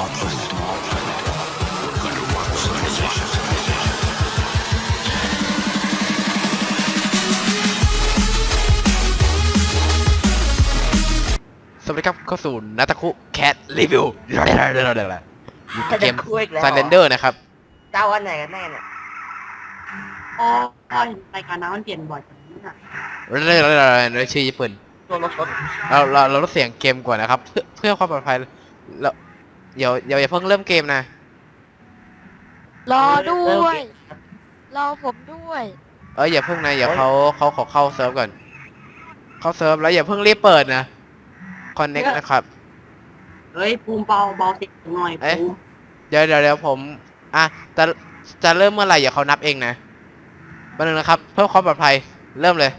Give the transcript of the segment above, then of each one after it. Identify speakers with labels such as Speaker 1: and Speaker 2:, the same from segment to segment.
Speaker 1: สวัสดีครับเข้าสู่นาตาคุแคทรีวิวอยู่เกมSlenderนะครับ
Speaker 2: เจ้าวันไหนกันแน่เนี่ย
Speaker 3: อ๋อรายการน้ำมันเปลี่ยนบ่อยจังนะ
Speaker 1: เรื่อยชื่อญี่ปุ่น
Speaker 2: ตัวรถ
Speaker 1: เราลดเสียงเกมก่อนนะครับเพื่อความปลอดภัยแล้วอย่าเพิ่งเริ่มเกมนะ
Speaker 4: รอด้วยรอผมด้วย
Speaker 1: อย่าเพิ่งนะอย่าเขาขอเข้าเซิร์ฟก่อนเข้าเซิร์ฟแล้วอย่าเพิ่งรีบเปิดนะคอนเน็กนะครับ
Speaker 3: เฮ้ยภูมิเบาเสียงหน่อยภูมิ
Speaker 1: เดี๋ยวผมจะเริ่มเมื่อไหร่อย่าเขานับเองนะแป๊บนึงนะครับเพื่อความปลอดภัยเริ่มเลย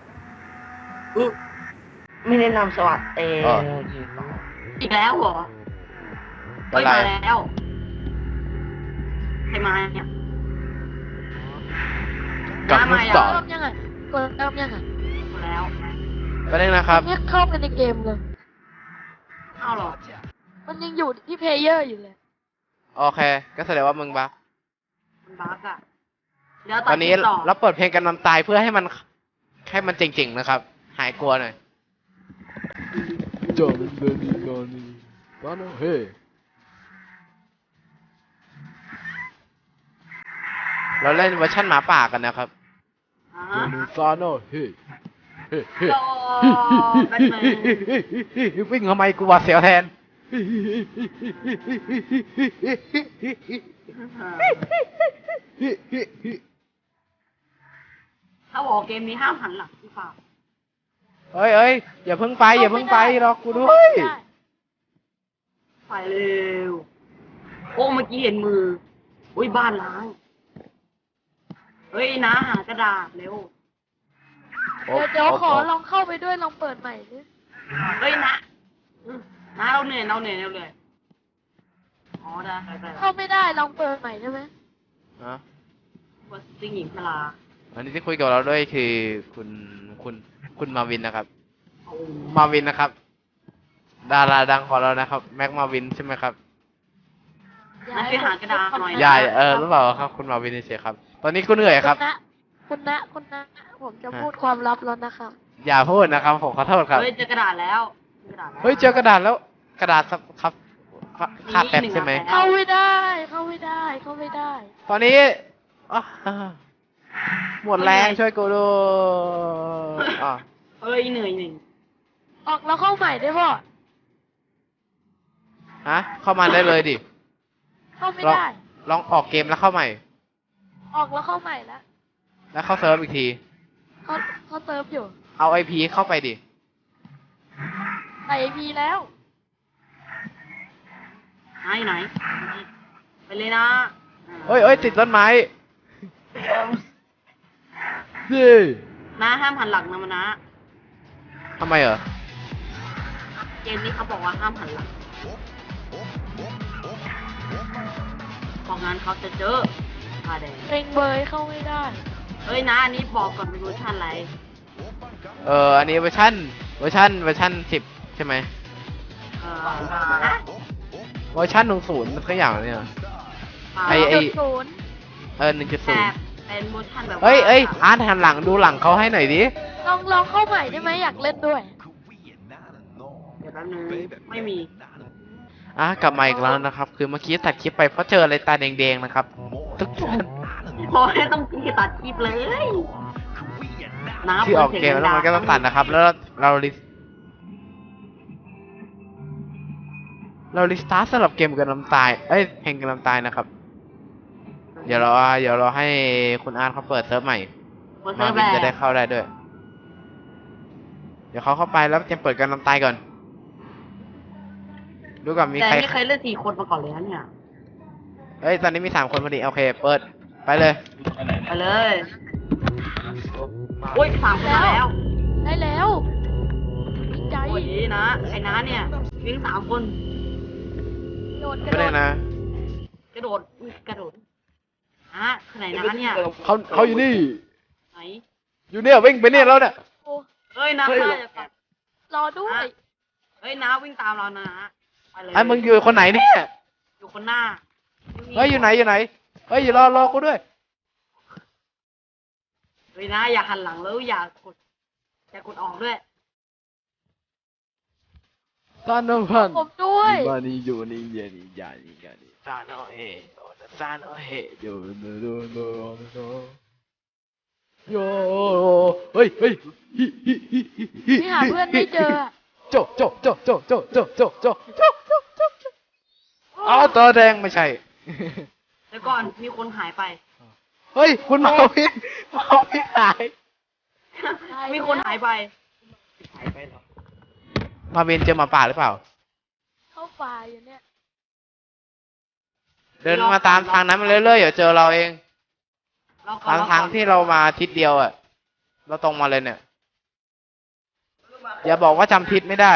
Speaker 2: ไม่แนะนำสวัสดี
Speaker 3: อีกแล้วเหรอไม่มาแล้วใครมาเนี่ย
Speaker 1: กับลูกศร
Speaker 4: เริ่มยังไงกดเริ่มยังไง
Speaker 3: แล้ว
Speaker 1: แป๊บนึงนะครับ
Speaker 4: เนี่ยเข้าไปในเกมเลย
Speaker 3: เอาหรอ
Speaker 4: มันยังอยู่ที่เพลเยอร์อยู่เลย
Speaker 1: โอเคก็แสดงว่ามึงบั๊ก
Speaker 3: มันบั๊กอ่ะเดี๋ยว
Speaker 1: ตอนนี้เราเปิดเพลงกันนำตายเพื่อให้มันจริงๆนะครับหายกลัวหน่อยจอมันเดินดีนอนนี่บ้านเฮ้เราเล่นเวอร์ชันหมาป่ากันนะครับซาโนเฮ้วิ่งทำไมกูว่าเสียวแทน
Speaker 3: ถ้าบอกเกมนี้ห้ามหันหลังหรือเปล่า
Speaker 1: เอ้ยอย่าเพิ่งไปรอกูด้วย
Speaker 3: ไปเร็วโอ้เมื่อกี้เห็นมืออุ้ยบ้านล้างเฮ้ยนะหากระดาษเร็ว
Speaker 4: เดี๋ยวขอลองเข้าไปด้วยลองเปิดใหม่ดิ
Speaker 3: เฮ้ยนะเราเหนื่อยอ๋อได้
Speaker 4: เข้าไม่ได้ลองเปิดใหม่ได้ไหม
Speaker 3: ว่าสิ่งหญิงพลา
Speaker 1: อันนี้ที่คุยกับเราด้วยคือคุณมาวินนะครับมาวินนะครับดาราดังของเรานะครับแม็กมาวินใช่ไหมครับ
Speaker 3: นั่นไปหากระดาษหน่อย
Speaker 1: ยายหรือเปล่าครับคุณมาวินเฉยครับตอนนี้คุณเหนื่อยครับ
Speaker 4: คุณนะผมจะพูดความลับแล้วนะครับ
Speaker 1: อย่าพูดนะครับผมขอโทษครับ
Speaker 3: เฮ้ยเจอกระดาษแล้ว
Speaker 1: เจอกระดาษแล้วกระดาษครับขาดแป๊บใช่ไหม
Speaker 4: เข้าไม่ได้
Speaker 1: ตอนนี้หมดแรงช่วยกูดู
Speaker 3: เฮ้ยเหนื่อย
Speaker 4: ออกแล้วเข้าใหม่ได้ป่ะ
Speaker 1: เข้ามาได้เลยดิ
Speaker 4: เข้าไม่ได้
Speaker 1: ลองออกเกมแล้วเข้าใหม่
Speaker 4: ออกแล้วเข้าใหม่
Speaker 1: แล้วเข้าเซิร์ฟอีกที
Speaker 4: เขาเซิร์ฟอยู่
Speaker 1: เอา IP เข้าไปดิ
Speaker 4: ใส่ IP แล้ว
Speaker 3: ไหนไปเลยนะ
Speaker 1: เอ้ยติดต้นไม้
Speaker 3: นะห้ามหันหลังนะมันนะ
Speaker 1: ทำไม
Speaker 3: เกมนี้เขาบอกว่าห้ามหันหลังบอกงั้นเขาจะเจอแดง
Speaker 4: เร่งเบยเข้าไม่ได้
Speaker 3: เฮ้ยนะอันนี้บอกก่อนเป็นเวอร์ชันอะไร
Speaker 1: อันนี้เวอร์ชัน10ใช่ไหมเวอร์ชัน10สักอย่างเนี่ย1.0
Speaker 3: เป็นเวอร์ชันแบบ
Speaker 1: เฮ้ยหันหลังดูหลังเขาให้หน่อยดิ
Speaker 4: ลองเข้าใหม่ได้ไหมอยากเล่นด้วย
Speaker 3: เดี๋ยวแป๊บนึงไม่มี
Speaker 1: กลับมาอีกแล้วนะครับคือเมื่อกี้ตัดคลิปไปเพราะเจออะไรตาแดงๆนะครับทุกคน
Speaker 3: พอให้ต้องตัดคลิปเลย
Speaker 1: ที่ออกเกมแล้วมันก็ต้องตัดนะครับแล้วเราลิสตาร์สำหรับเกมกันน้ำตายเพลงกันน้ำตายนะครับเดี๋ยวเราให้คุณอาร์ตเขาเปิดเซิร์ฟใหม่มาวินจะได้เข้าได้ด้วยเดี๋ยวเขาเข้าไปแล้วจะเปิดกันน้ำตายก่อนดูก่อนมีใคร
Speaker 3: ไม่เคยเล่น4 คนมาก่อนเลยนะเนี่ย
Speaker 1: ตอนนี้มี3 คนพอดีโอเคเปิดไปเลย
Speaker 3: โอ้ย3 คนแล้ว
Speaker 4: ได้แล้วดีใจ
Speaker 3: โอ้ยนะไอ้น้าเนี่ยวิ่ง3 คน
Speaker 4: กระโดด
Speaker 3: กระโดดไหนน้าเนี่ย
Speaker 1: เขาอยู่นี่
Speaker 3: ไหน
Speaker 1: อยู่เนี่ยวิ่งไปเนี่ยแล้วเนี่ย
Speaker 3: เฮ้ยน้าร
Speaker 4: อด้วย
Speaker 3: เฮ้ยน้าวิ่งตามเรานะ
Speaker 1: มึงอยู่คนไหนเนี่ย
Speaker 3: อยู่คนหน้า
Speaker 1: เฮ้ยอยู่ไหนเฮ้ยอย่ารอกูด้วย
Speaker 3: เฮ้ยนะอย่าหันหลังแล้วอย่ากดออกด้วย
Speaker 1: ตานมพัน
Speaker 4: ผมด้วย
Speaker 1: มานี่อยู่นี่เย็นนี่ยานี่ยานี่ตาโนเฮตาโนเฮโยโนโนโนโนโยเฮ้ย
Speaker 4: พี่หาเพื่อนไม่เจออะ
Speaker 1: โจอ๋อตัวแดงไม่ใช่
Speaker 3: แล้วก่อนมีคนหายไป
Speaker 1: เฮ้ยคุณมาวินหาย
Speaker 3: มีคนหายไป
Speaker 2: หายไปเหรอ
Speaker 1: มาวินเจอหมาป่าหรือเปล่า
Speaker 4: เข้าป่าอยู่เนี่ย
Speaker 1: เดินมาตามทางนั้นมาเรื่อยๆเดี๋ยวเจอเราเอง
Speaker 3: เราก่อน
Speaker 1: ทางที่เรามาทิศเดียวอ่ะเราตรงมาเลยเนี่ยอย่าบอกว่าจำทิศไม่ได้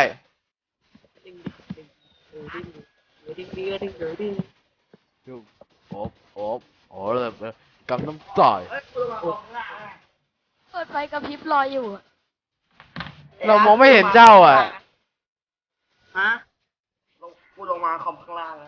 Speaker 1: โอ้เลยกำน้ำต่อย
Speaker 4: เปิดไฟกระพริบรออยู่อะ
Speaker 1: เรามองไม่เห็นเจ้าอ่ะ
Speaker 3: ฮะ
Speaker 2: กูลงมาคอมข้างล่างนะ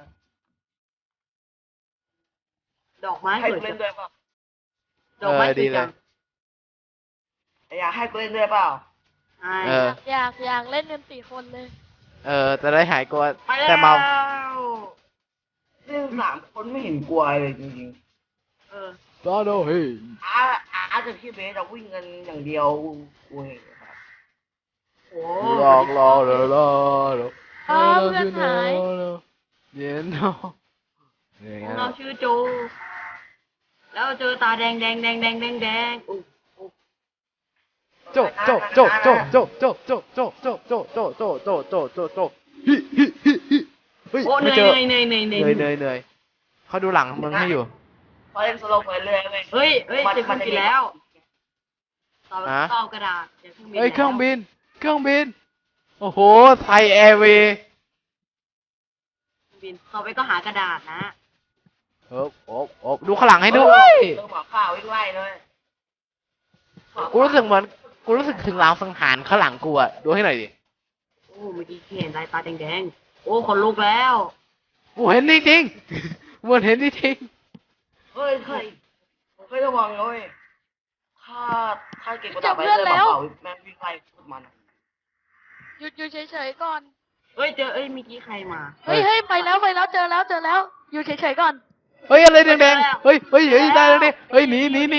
Speaker 3: ดอกไม้
Speaker 2: ให้
Speaker 3: สวย
Speaker 2: กูเล่นด้วยเปล่า
Speaker 3: ดอกไม้ส
Speaker 1: ดี
Speaker 3: วย
Speaker 1: เล
Speaker 3: จั
Speaker 1: ย
Speaker 3: ง
Speaker 2: อยากให้กูเล่นด้วยเปล่า
Speaker 3: ใช่
Speaker 1: เออ
Speaker 4: อยากเล่นกัน4 คนเลย
Speaker 1: จะได้หายกลัว
Speaker 3: ไปแล้ว
Speaker 1: แต่เมา
Speaker 2: เล่น3 คนไม่เห็นกลัวเลยจริง
Speaker 3: เออ
Speaker 1: ตาโนเฮ้ย
Speaker 2: ๆอาจจะพี่เบสเราวิ่งกันอย่างเดียวกูเห็นครับ
Speaker 3: โอ้
Speaker 1: รอเพื่อนหายเย็นเนาะเนี่ย
Speaker 3: เราชื่อโจ แล้วเจอตาแดงอุ๊ย
Speaker 1: โจเฮ้ย
Speaker 3: โอ้เห
Speaker 1: ไม่
Speaker 3: นื่อย
Speaker 1: เจอ
Speaker 3: เหนื่อย
Speaker 1: เขาดูหลังมึงให้อยู่
Speaker 2: พอเล่นสโลว์ไปเรื่อยๆเว้ย
Speaker 3: เฮ้ยเจอเครื่องบินแล้วต่อ
Speaker 1: ฮะ
Speaker 3: ต่อกระดาษเจอเครื่องบิน
Speaker 1: เฮ้ยเครื่อง
Speaker 3: แล้ว
Speaker 1: บินโอ้โหไทยแอร์เวย์
Speaker 3: บินต่อไปก็หากระดาษนะ
Speaker 1: ดูข้างหลังให้ด้วย
Speaker 2: เรื่องหมอข้าววิ่งไล่เลย
Speaker 1: กูรู้สึกถึงรางสังหารข้างหลังกูอะดูให้หน่อยดิ
Speaker 3: โอ้เมื่อกี้เห็นลายตาแดงๆโอ้ขนลุกแล้ว
Speaker 1: กูเห็นจริงๆมันเห็นจริง
Speaker 2: เฮ้ยเคยระวังนะเลยถ้าเก่งกว่าต่อไปเลยหมอข้าวแม่งวิ่งไล่พวกมัน
Speaker 4: หยุดเฉยๆก่อน
Speaker 3: เฮ้ยเจอเอ้ยเมื่อกี้ใครมา
Speaker 4: เฮ้ยไปแล้วเจอแล้วอยู่เฉยๆก่อน
Speaker 1: ๆเฮ้ยอะไรแดงๆเฮ้ยได้แล้วดิเฮ้ยหนี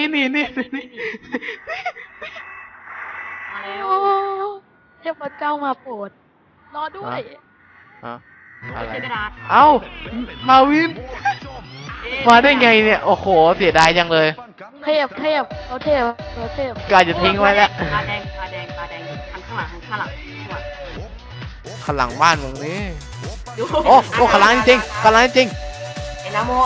Speaker 3: มาแล้ว
Speaker 4: โอ้เทพเจ้ามาโปรดรอด้วย
Speaker 1: ฮะอะไร
Speaker 3: เจอกระดาษ
Speaker 1: เอ้ามาวิน
Speaker 3: เอ๊ะ
Speaker 1: มาได้ไงเนี่ยโอ้โหเสียดายจังเลย
Speaker 4: เทพเขาเทพ
Speaker 1: กาจะทิ้งไว้แล้ว
Speaker 3: ตาแดงหันข้างหลัง
Speaker 1: ข้างหลังบ้านมึงนี่
Speaker 3: ดู
Speaker 1: โอ้ข้างหลังจริง
Speaker 2: ไอ้น้ำโม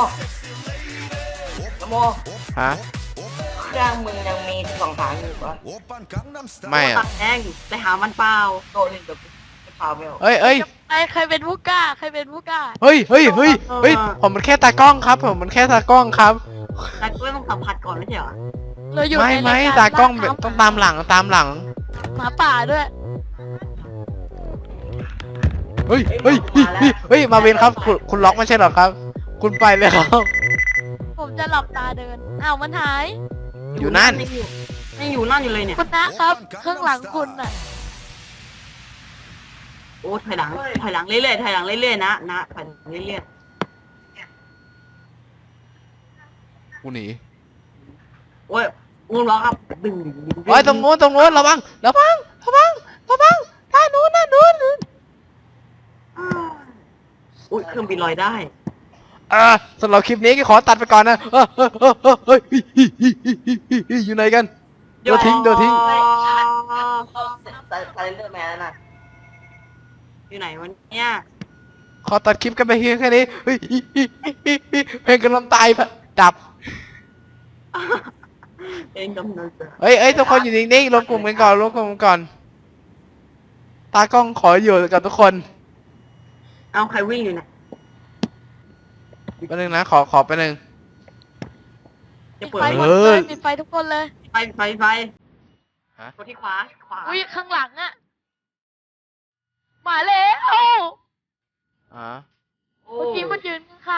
Speaker 1: ฮะ
Speaker 2: เครื่องมึงยังมี2 ทางอยู่ปะ
Speaker 1: ไม่อะ
Speaker 3: ตาแดงไปหามันเปล่า
Speaker 2: โตนี่เดี๋ยวจะพาไม่ออก
Speaker 1: เฮ้ย
Speaker 4: ใครเป็นผู้กล้า
Speaker 1: เฮ้ยผมมันแค่ตากล้องครับผมมันแค่ตากล้องครับ
Speaker 3: แต่ก็ต้องสัมผัสก่อนไม่ใช่เหรอ
Speaker 4: เราอยู่ใน
Speaker 1: ไม่
Speaker 4: ราย
Speaker 1: ตากล้อง
Speaker 4: บ้น
Speaker 1: ต้องตามหลัง
Speaker 4: หมาป่าด้วย
Speaker 1: เฮ้ยมาเวนครับคุณล็อกไม่ใช่เหรอครับ คุณไปเลยครับ
Speaker 4: ผมจะหลับตาเดินอ้าวมันหาย
Speaker 1: อยู่นั่น
Speaker 3: ยังอยู่นั่นอยู่เลยเนี่ย
Speaker 4: คุณนะครับข้างหลังคุณน่ะ
Speaker 3: โอ้ถอยหลังเรื่อยๆนะถอยเรื่อย
Speaker 1: กูหนี
Speaker 3: ๆโอ้ยงูร้องครับดึง
Speaker 1: เฮ้ยตรงโน้นระวังด้านนู้น
Speaker 3: อุ้ยเครื่องบินลอยได้
Speaker 1: สำหรับคลิปนี้ก็ขอตัดไปก่อนนะเฮ้ยอยู่ไหนกันเดี๋ยวทิ้ง
Speaker 2: ไซเลอร์แมนน่ะ
Speaker 3: อยู่ไหนวันเนี้ย
Speaker 1: ขอตัดคลิปกันไปเพียงแค่นี้เฮ้ยเพลงกำลังตายดับ
Speaker 3: เองกำลังจะ
Speaker 1: เฮ้ยทุกคนอยู่นิ่งๆรวมกลุ่มกันก่อนตากล้องขออยู่กับทุกคน
Speaker 3: เอาใครวิ่งอยู่เนี่ย
Speaker 1: แป๊บนึงนะขอแป๊บนึง
Speaker 3: จะ
Speaker 4: ปิด
Speaker 3: เปิด
Speaker 4: ไฟ
Speaker 3: ไห
Speaker 4: หม
Speaker 3: ม
Speaker 4: ดเลยปิดไฟทุกคนเลย
Speaker 3: ไฟ
Speaker 1: ฮะ
Speaker 3: กดที่ขวา
Speaker 4: อุ้ยข้างหลังอะมาแล้ว
Speaker 1: อ๋อ
Speaker 3: โอ้
Speaker 4: เมื่อกี้มันยืนข้าง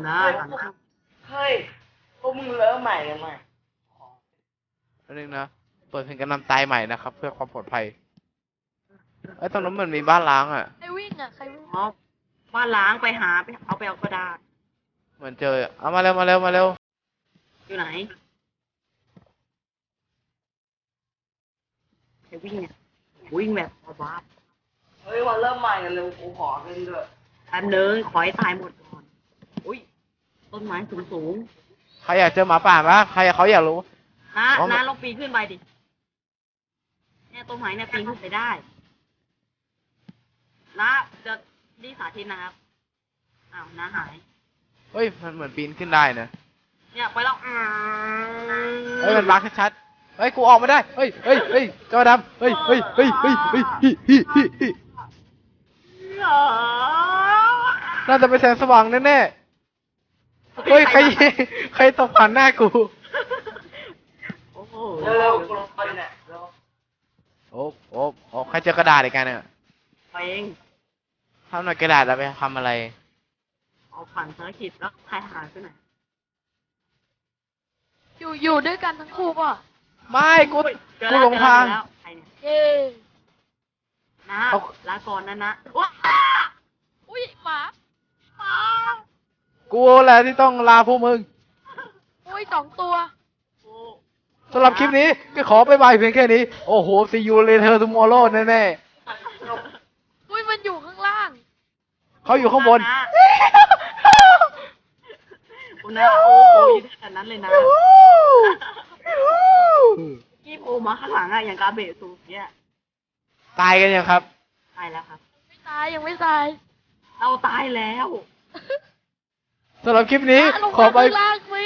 Speaker 3: นะ
Speaker 2: เฮ้ย
Speaker 3: หันหน้า
Speaker 2: เฮ้ยพวกมึงเริ่มใหม่กันใหม่
Speaker 1: อันนึงนะเปิดเพลงกันนำตายใหม่นะครับ เพื่อความปลอดภัยไอ้ยตรงนั้นมันมีบ้านล้างอ่ะ
Speaker 4: ใครวิ่งอ่ะ ใครวิ่ง
Speaker 3: อ๋อบ้านล้างไปหาไปเอากระดาษ
Speaker 1: เหมือนเจอเอามาเร็วมาเร็วมาเร็ว
Speaker 3: อยู่ไหนใครวิ่งเนี่ยวิ่งแบบบ้า
Speaker 2: เฮ้ยวันเริ่มใหม่กันเร็วกูขอเล่นด้วย
Speaker 3: แป๊บนึงขอให้ตายหมดก่อนอุ้ยต้นไม้สูง
Speaker 1: ใครอยากเจอหมาป่าปะใครเขาอยากรู้
Speaker 3: ๆนะ
Speaker 1: อ๋อ
Speaker 3: นะลองปีนขึ้นไปดิเนี่ยต้นไม้เนี่ยปีนขึ้นไปได้นะจะดีสาธิตนะครับอ้าวนะหาย
Speaker 1: เฮ้ยมันเหมือนปีนขึ้นได้นะ
Speaker 3: เนี่ยไปแล้ว
Speaker 1: เฮ้ยมันบั๊กชัดๆเฮ้ยกูออกมาได้เฮ้ยเฮ้ยเฮ้ยจอดำเฮ้ยเฮ้ยเฮ้ยเฮ้ยเฮ้ยฮิฮิฮิฮิน่าจะเป็นแสงสว่างแน่ๆเฮ้ยใครใครตกผ่านหน้ากู
Speaker 3: โอ้โห
Speaker 2: เร็วๆกูลงไปเนี่ยเร็ว
Speaker 1: โอ้โอ้โอ้ใครเจอกระดาษอีกกันเนี่ย
Speaker 3: ไปเอง
Speaker 1: ทำหน่อยกระดาษแล้วไปทำอะไร
Speaker 3: เอาผ่านภารกิจแล้วใครหายไปไหน
Speaker 4: อยู่ด้วยกันทั้งคู่ป่ะ
Speaker 1: ไม่กู
Speaker 3: เจอ
Speaker 1: กู
Speaker 3: แล้ว
Speaker 1: หลงทาง
Speaker 3: เจอแล้วใครเนี่ย
Speaker 4: เย้
Speaker 3: นะ
Speaker 1: เอา
Speaker 3: ลาก่อนนะว้า
Speaker 4: อุ้ยหมา
Speaker 1: กูแหละที่ต้องลาพวกมึง
Speaker 4: อุ้ย2 ตัว
Speaker 3: โอ้
Speaker 1: สำหรับคลิปนี้ก็ขอไปบายเพียงแค่นี้ โอ้โห see you later tomorrow แน่
Speaker 4: อุ้ยมันอยู่ข้างล่าง
Speaker 1: ๆเขาอยู่ข้างบน
Speaker 3: คุณนะโอ้โหอยู่ขนาดนั้นเลยนะกี้โผล่มาข้างหลังอะอย่างกาเบะสูงเนี่ย
Speaker 1: ตายกันยังครับ
Speaker 3: ตายแล้วครับ
Speaker 4: ไม่ตายยังไม่ตาย
Speaker 3: เราตายแล้ว
Speaker 1: สำหรับคลิปนี้
Speaker 4: ลง
Speaker 1: ขอ
Speaker 4: มา
Speaker 1: ไป
Speaker 4: ข้างล่างสิ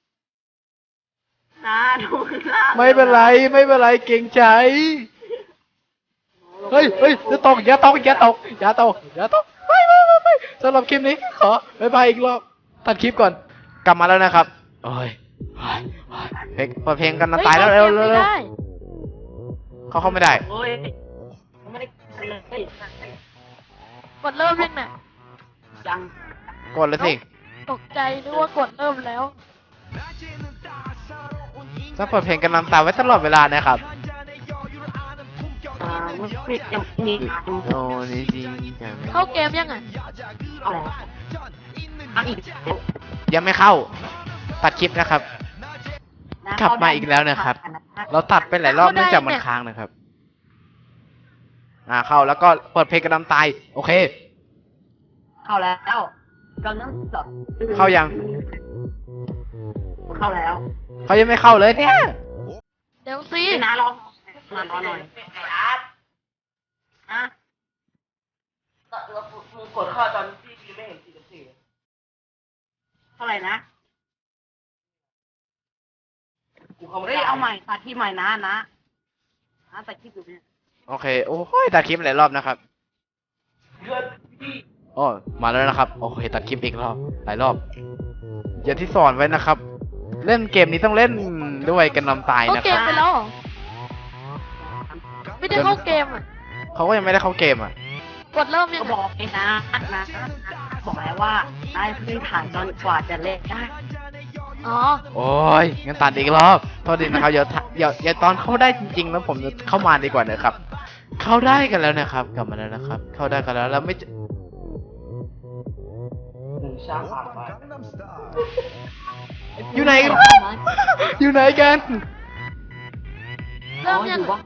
Speaker 3: นะดูข้างล่าง
Speaker 1: ไม่เป็นไรไม่เป็นไรเก่งใจ เฮ้ยเฮ้ยจะตกอย่าตกอย่าตกอย่าตกอย่าตกไม่สำหรับคลิปนี้ขอบายบายอีกรอบตัดคลิปก่อนกลับมาแล้วนะครับโอ้ยเพลงเปิดเพลงกันนะ
Speaker 4: ฮ้
Speaker 1: ตายแล้วเร็วเร็ว
Speaker 4: ไม่
Speaker 1: เร็ว
Speaker 4: ได้
Speaker 1: เขาเข้าไม่ได้
Speaker 3: โอ้ยไม่ได้เลย
Speaker 4: กดเริ่มยังน่ะ
Speaker 3: ยัง
Speaker 1: กดเลยสิ
Speaker 4: ตกใจนึกว่ากดเริ่มแล้ว
Speaker 1: ถ้าเปิดเพลงกันน้ำตาไว้ตลอดเวลานะครับ
Speaker 3: ไม่ยังนี่
Speaker 1: โอ้นี่จริงจัง
Speaker 4: เข้าเกมยังอ่ะ
Speaker 3: เอาแล้วอ่ะอีก
Speaker 1: ยังไม่เข้า ตัดคลิปนะครับ กลับมาอีกแล้วนะครับ เราตัดไปหลายรอบเนื่องจากมันค้างนะครับ เข้าแล้วก็เปิดเพลงกันน้ำตาย โอเค
Speaker 3: เข้าแล้วกำลังจบ
Speaker 1: เข้ายัง
Speaker 3: เข้าแล้ว
Speaker 1: เขายังไม่เข้าเลยเนี่ย
Speaker 4: เดี๋ยวสิ
Speaker 3: พี่นะรอหน่อย
Speaker 2: ไอ้อาร์ต
Speaker 3: อ่ะ
Speaker 2: แล้วมึงกดเข้าตอนที่พี่ไม่เห็น44
Speaker 3: เท่าไหร่นะ
Speaker 2: กูเข้าไม่
Speaker 3: เฮ้ย
Speaker 2: ได้
Speaker 3: เอาใหม่ตัดที่ใหม่นะตัดที่อยู่เนี่ย
Speaker 1: โอเค โอ้ยตัดคลิปหลายรอบนะครับ
Speaker 2: เพื่อนพี่
Speaker 1: โอ้มาแล้วนะครับ โอเค ตัดคลิปอีกรอบ หลายรอบ อย่างที่สอนไว้นะครับ เล่นเกมนี้ต้องเล่นด้วยกันน้ำตาย
Speaker 4: เข้า
Speaker 1: นะ
Speaker 4: เก
Speaker 1: ค
Speaker 4: ม
Speaker 1: รับ
Speaker 4: ไปแล้วเหรอไม่ได้เข้าเกมอ่ะ
Speaker 1: เขาก็ยังไม่ได้เข้าเกมอ่ะ
Speaker 4: กดเริ่มยั
Speaker 3: ก็
Speaker 4: ง
Speaker 3: บอ
Speaker 4: อ่ะ
Speaker 3: กเองนะบอกแล้วว่าได้พื้นฐานจนกว่าจะเล่นได้
Speaker 4: อ๋อ
Speaker 1: โอ้ยงั้นตัดอีกรอบ โทษดีนะครับ เดี๋ยวตอนเข้าได้จริงๆ แล้วผมจะเข้ามาดีกว่านะครับ เข้าได้กันแล้วนะครับ กลับมาแล้วนะครับ เข้าได้กันแล้วแล้วไม่เจอ
Speaker 2: 1 ชาติผ่านไป
Speaker 1: อยู่ไหนกัน อยู่ไหนกัน
Speaker 4: เริ่มยัง
Speaker 3: ว่า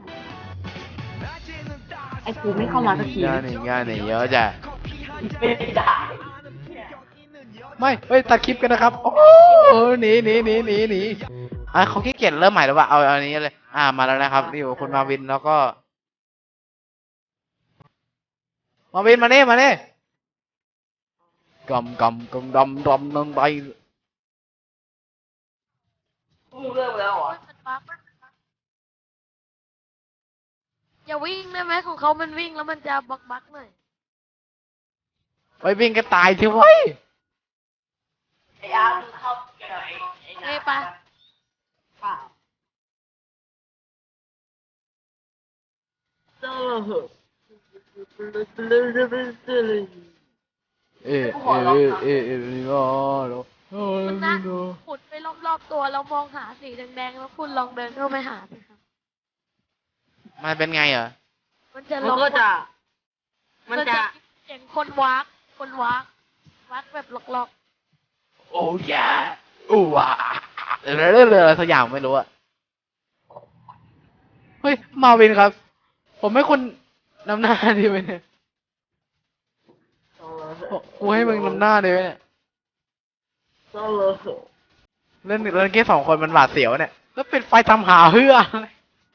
Speaker 3: ไอ้กูไม่เข้ามาสักที
Speaker 1: งานนี่เยอะจ้ะ
Speaker 2: ไม่ได้
Speaker 1: ไม่ เฮ้ย ตัดคลิปกันนะครับ โอ้โหหนีเขาขี้เกียจเริ่มใหม่แล้วว่ะเอาอันนี้เลย มาแล้วนะครับนี่อยู่คุณมาวินแล้วก็ มาวินมาเนี่ยกำดำไป
Speaker 2: มึงเริ่มแล้วเหรอ
Speaker 4: มันบั๊กอย่าวิ่งได้ไหมของเขามันวิ่งแล้วมันจะบักหน่อย
Speaker 1: ไปวิ่งกันตายทีเว้ย
Speaker 2: ไอ้อาร์ตมึงเข้าเกี่ยวกับไอ้
Speaker 4: เอ้ยปะ
Speaker 3: เปล่าเจอเหอะ
Speaker 1: เออเออเออเออเออเออ
Speaker 4: คุณนะขุดไปรอบๆตัวแล้วมองหาสีแดงๆแล้วคุณลองเดินเข้าไปหาสิครับ
Speaker 1: มันเป็นไงเหรอ
Speaker 4: มันจะ
Speaker 3: มัน
Speaker 4: ลอง
Speaker 3: ก็จะ มันจะ
Speaker 4: เสียงคนวักแบบล็อก
Speaker 1: โอ้ยาอู้ว้าเรื่องอะไรสักอย่างไม่รู้อะเฮ้ย มาวินครับ ผมให้คุณนำหน้าดีไหมเนี่ยกูให้มึงนำหน้าดีไหมเนี่ย
Speaker 2: ก็เลย
Speaker 1: เล่นเกมสองคนมันหวาดเสียวเนี่ย แล้วปิดไฟทำหาเพื่ออะไร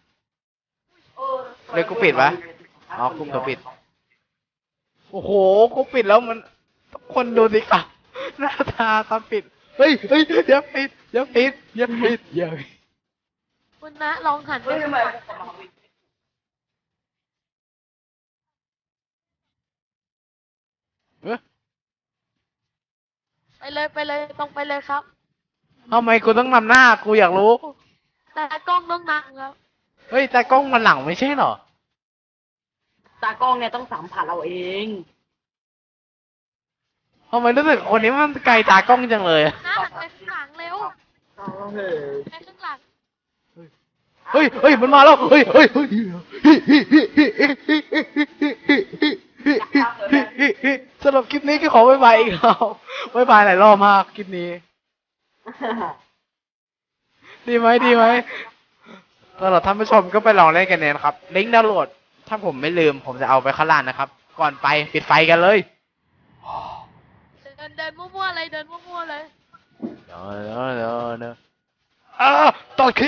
Speaker 1: เดี๋ยวกูปิดวะอ๋อกูก็ปิด โอ้โห กูปิดแล้วมันคนดูสิครับหน้าตาตอนปิด เฮ้ยเฮ้ยอย่าปิดอย่าปิดอย่าปิดอย่าปิด
Speaker 4: ๆคุณนะลองหันไป
Speaker 2: เฮ้ยทำไม
Speaker 1: เอ้ย
Speaker 4: ไปเลยตรงไปเลยครับ
Speaker 1: ทำไมกูต้องนำหน้า กูอยากรู้
Speaker 4: แต่กล้องต้องนั่งครับ
Speaker 1: เฮ้ย แต่กล้องมันหลังไม่ใช่เหรอ
Speaker 3: ตากล้องเนี่ยต้องสัมผัสเราเอง
Speaker 1: ทำไมรู้สึกคนนี้มันไกลตากล้องจังเลยอะ
Speaker 4: นะหันไปข้างหลังเร็ว
Speaker 2: เฮ้ย
Speaker 4: ไปข้างหลัง
Speaker 1: เฮ้ยเฮ้ยมันมาแล้ว เฮ้ยเฮ้ยเฮ้ยสำหรับคลิปนี้ก็ขอบ๊ายบายอีกแล้วบ๊ายบายหลายรอบมากคลิปนี้ ดีไหมดีไหมสำหรับท่านผู้ชมก็ไปลองเล่นกันเนี่ยนะครับ ลิงก์ดาวน์โหลด ถ้าผมไม่ลืมผมจะเอาไปข้างล่างนะครับ ก่อนไปปิดไฟกันเลย
Speaker 4: เดินมั่วๆเลยเดินมั่วๆเลย
Speaker 1: เดี๋ยวตอนคลิป